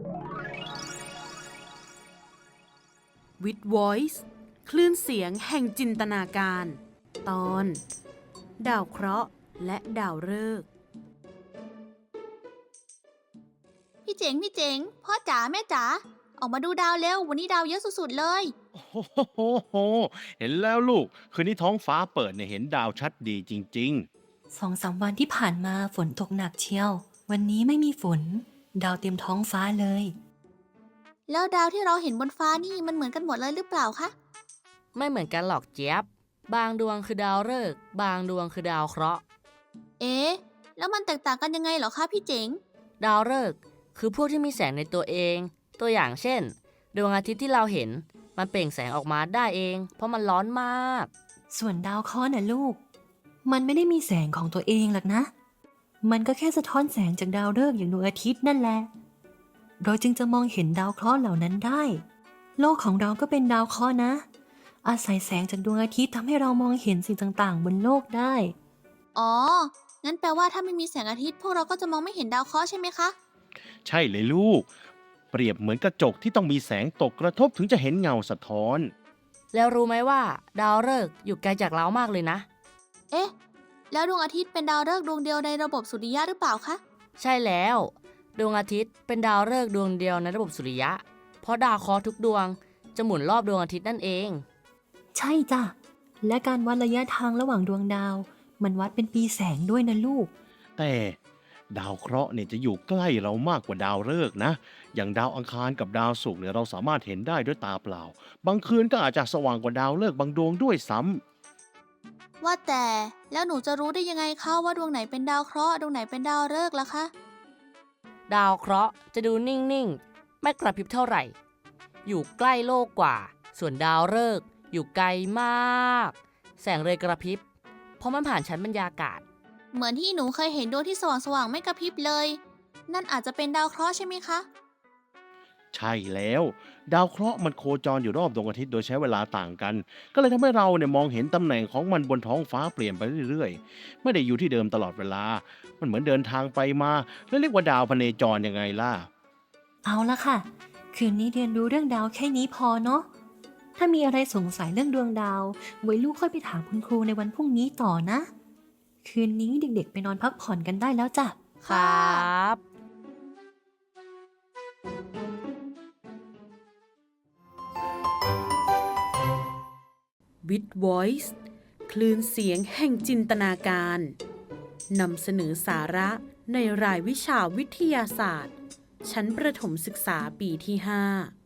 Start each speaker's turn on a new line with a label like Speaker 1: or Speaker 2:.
Speaker 1: With Voice คลื่นเสียงแห่งจินตนาการ ตอนดาวเคราะห์และดาวฤกษ์
Speaker 2: พี่เจ๋งพ่อจ๋าแม่จ๋าออกมาดูดาวเร็ววันนี้ดาวเยอะสุดๆเลย
Speaker 3: โอ้โหเห็นแล้วลูกคืนนี้ท้องฟ้าเปิดเนี่ยเห็นดาวชัดดีจริง
Speaker 4: 2-3 วันที่ผ่านมาฝนตกหนักเชียว วันนี้ไม่มีฝน ดาวเต็มท้องฟ้าเลย
Speaker 2: แล้วดาวที่เราเห็นบนฟ้านี่มันเหมือนกันหมดเลยหรือเปล่าคะ
Speaker 5: ไม่เหมือนกันหรอกเจี๊ยบบางดวงคือดาวฤกษ์บางดวงคือดาวเคราะห์
Speaker 2: เอ๊ะแล้วมันแตกต่างกันยังไงเหรอคะพี่เจ๋ง
Speaker 5: ดาวฤกษ์คือพวกที่มีแสงในตัวเอง ตัวอย่างเช่นดวงอาทิตย์ที่เราเห็นมันเปล่งแสงออกมาได้เองเพราะมันร้อนมาก
Speaker 4: ส่วนดาวเคราะห์น่ะลูก มันไม่ได้มีแสงของตัวเองหรอกนะ มันก็แค่สะท้อนแสงจากดาวฤกษ์อย่างดวงอาทิตย์นั่นแหละเราจึงจะมองเห็นดาวเคราะห์เหล่านั้นได้ โลกของเราก็เป็นดาวเคราะห์นะ อาศัยแสงจากดวงอาทิตย์ทำให้เรามองเห็นสิ่งต่างๆบนโลกได้
Speaker 2: อ๋องั้นแปลว่าถ้าไม่มีแสงอาทิตย์พวกเราก็จะมองไม่เห็นดาวเคราะห์ใช่ไหมคะ
Speaker 3: ๆ ใช่เลยลูก เปรียบเหมือนกระจกที่ต้องมีแสงตกกระทบถึงจะเห็นเงาสะท้อน
Speaker 5: แล้วรู้ไหมว่าดาวฤกษ์อยู่ไกลจากเรามากเลยนะ
Speaker 2: เอ๊ะแล้วดวงอาทิตย์เป็นดาวฤกษ์ดวงเดียวในระบบสุริยะหรือเปล่าคะ
Speaker 5: ใช่แล้วดวงอาทิตย์เป็นดาวฤกษ์ดวงเดียวในระบบสุริยะเพราะดาวเคราะห์ทุกดวงจะหมุนรอบดวงอาทิตย์นั่นเอง
Speaker 4: ใช่จ้ะและการวัดระยะทางระหว่างดวงดาวมันวัดเป็นปีแสงด้วยนะลูก
Speaker 3: แต่ดาวเคราะห์เนี่ยจะอยู่ใกล้เรามากกว่าดาวฤกษ์นะอย่างดาวอังคารกับดาวศุกร์เนี่ยเราสามารถเห็นได้ด้วยตาเปล่าบางคืนก็อาจจะสว่างกว่าดาวฤกษ์บางดวงด้วยซ้ำ
Speaker 2: ว่าแต่แล้วหนูจะรู้ได้ยังไงคะว่าดวงไหนเป็นดาวเคราะห์ดวงไหนเป็นดาวฤกษ์ล่ะคะ
Speaker 5: ดาวเคราะห์จะดูนิ่งๆไม่กระพริบเท่าไหร่อยู่ใกล้โลกกว่าส่วนดาวฤกษ์อยู่ไกลมากแสงเลยกระพริบเพราะมันผ่านชั้นบรรยากาศ
Speaker 2: เหมือนที่หนูเคยเห็นดวงที่สว่างๆไม่กระพริบเลยนั่นอาจจะเป็นดาวเคราะห์ใช่ไหมคะ
Speaker 3: ใช่แล้วดาวเคราะห์มันโคจรอยู่รอบดวงอาทิตย์โดยใช้เวลาต่างกันก็เลยทำให้เราเนี่ยมองเห็นตำแหน่งของมันบนท้องฟ้าเปลี่ยนไปเรื่อยๆไม่ได้อยู่ที่เดิมตลอดเวลามันเหมือนเดินทางไปมาแล้วเรียกว่าดาวพเนจรยังไงล่ะ
Speaker 4: เอาละค่ะคืนนี้เรียนรู้เรื่องดาวแค่นี้พอเนาะถ้ามีอะไรสงสัยเรื่องดวงดาวไว้ลูกค่อยไปถามคุณครูในวันพรุ่งนี้ต่อนะคืนนี้เด็กๆไปนอนพักผ่อนกันได้แล้วจ้ะ
Speaker 5: ครับ
Speaker 1: With Voice คลื่นเสียงแห่งจินตนาการนำเสนอสาระในรายวิชาวิทยาศาสตร์ชั้นประถมศึกษาปีที่ 5